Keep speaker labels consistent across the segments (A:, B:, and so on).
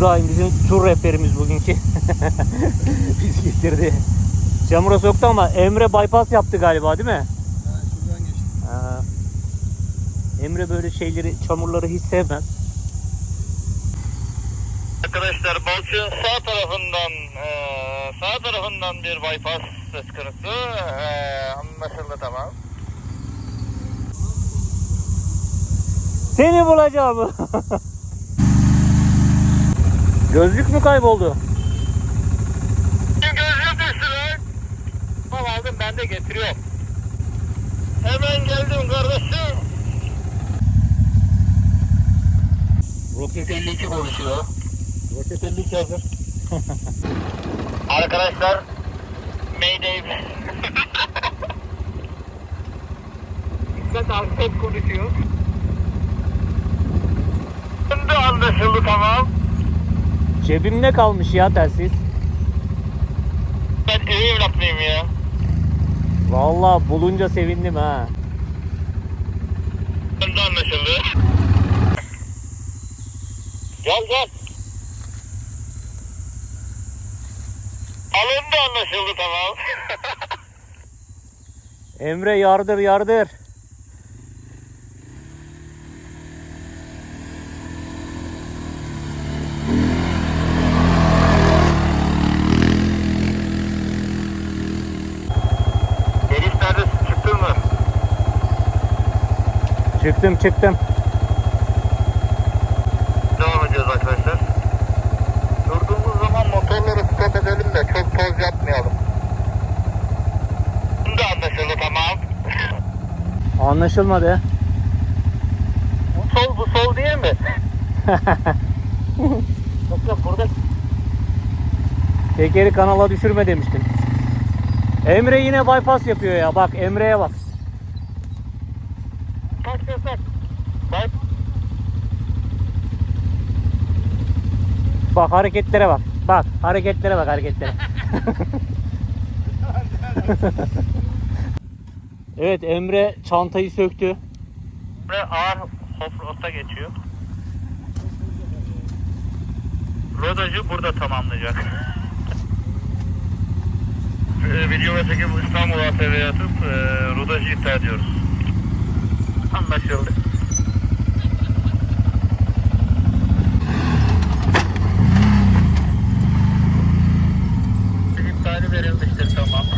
A: İbrahim bizim tur rehberimiz bugünkü. Bizi getirdi. Çamura soktu ama Emre bypass yaptı galiba değil mi?
B: Ha, şuradan geçtim.
A: Ha. Emre böyle şeyleri, çamurları hiç sevmez.
C: Arkadaşlar Balçık'ın sağ tarafından bir bypass söz konusu. Anlaşıldı, tamam.
A: Seni bulacağım. Gözlük mü kayboldu?
C: Gözlüğüm düştü lan. Tamam, aldım, ben de getiriyorum. Hemen geldim kardeşim. Roket 52 konuşuyor.
A: Roket 52 hazır.
C: Arkadaşlar Mayday. İsmet Aksat konuşuyor. Şimdi anlaşıldı, tamam.
A: Cebimde kalmış ya telsiz.
C: Ben ev evlatlıyım ya.
A: Vallahi bulunca sevindim ha.
C: Şimdi anlaşıldı. Gel. Alındı, anlaşıldı, tamam.
A: Emre yardır.
C: Deniz neredesin, çıktın mı?
A: Çıktım.
C: Devam ediyoruz arkadaşlar. Durduğumuz zaman motorları stop edelim de çok toz yapmayalım. Şimdi anlaşıldı, tamam.
A: Anlaşılmadı.
C: Bu sol değil mi? Yok burada.
A: Tekeri kanala düşürme demiştim. Emre yine bypass yapıyor ya. Bak Emre'ye bak.
C: Bak.
A: Bak hareketlere bak. Hareketlere. Evet, Emre çantayı söktü.
C: Ve ağır offroad'a geçiyor. Rodajı burada tamamlayacak. Video ve çekim İstanbul ATV'ye atıp rodajı iptal ediyoruz. Anlaşıldı. İptali verilmiştir, tamam.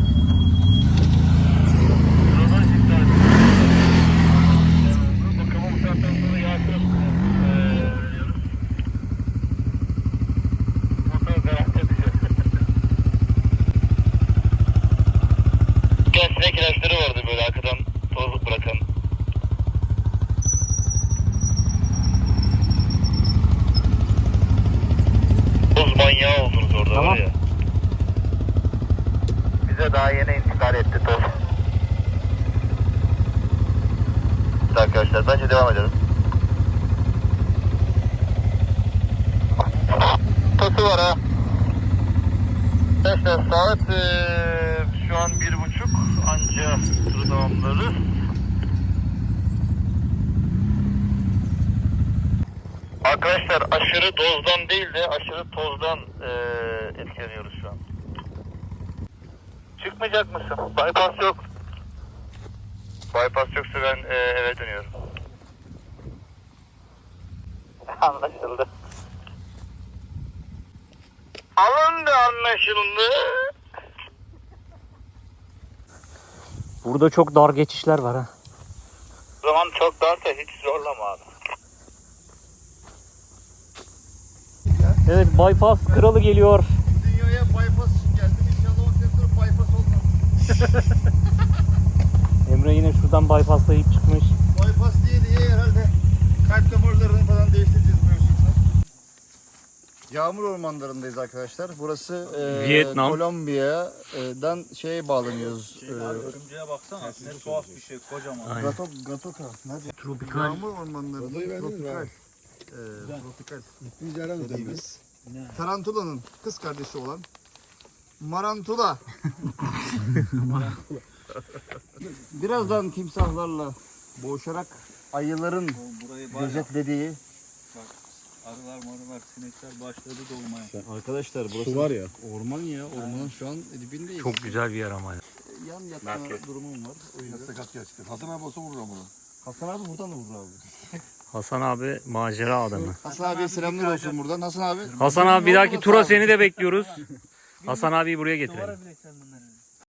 C: Rodaj iptal edilmiştir. Bakımı bu saatten sonra yağışır. Motor garanti düşüyor. Sinek ilaçları vardı böyle arkadan toz bırakan. Toz manyağı oldunuz orada,
A: Tamam.
C: var ya. Bize daha yeni intikal etti toz. Arkadaşlar bence devam edelim. Tosu var ha. Arkadaşlar saat şu an 1:30, anca turu tamamlarız. Arkadaşlar aşırı dozdan değil de aşırı tozdan etkileniyoruz şu an. Çıkmayacak mısın? Bypass yok. Bypass yoksa ben eve dönüyorum. Anlaşıldı. Alındı, anlaşıldı.
A: Burada çok dar geçişler var ha.
C: O zaman çok darsa hiç zorlama abi.
A: Evet, bypass kralı geliyor.
B: Dünyaya bypass için geldim. İnşallah 10 sene sonra bypass olmaz.
A: Emre yine şuradan bypasslayıp çıkmış.
B: Bypass diye herhalde kalp damarlarını falan değiştireceğiz bu yüzden. Yağmur ormanlarındayız arkadaşlar. Burası
A: Vietnam.
B: Kolombiya'dan bağlanıyoruz.
D: Örümceğe baksana. Ne tuhaf bir şey, kocaman.
A: Aynen.
B: Gatoka. Nerede?
A: Tropikal.
B: Yağmur ormanlarında tropikal. Tropikal. Dediğimiz Tarantula'nın kız kardeşi olan Marantula. Birazdan timsahlarla boğuşarak ayıların
D: Burayı var ya,
B: gözetlediği
D: Arılar marılar sinekler başladı dolmaya.
B: Arkadaşlar burası var ya. Orman ya. Ormanın şu an dibindeyiz.
A: Çok güzel bir yer ama.
B: Yan yatma durumum var. O yüzden.
E: Sakat gerçekten. Hasan abi olsa vurur ama.
B: Hasan abi buradan da vurur abi.
A: Hasan abi macera adamı.
B: Hasan abiye selamlar olsun buradan. Hasan abi.
A: Hasan abi bir dahaki tura seni de bekliyoruz. Hasan abiyi buraya getirelim.
D: Duvara bilek sen bunları.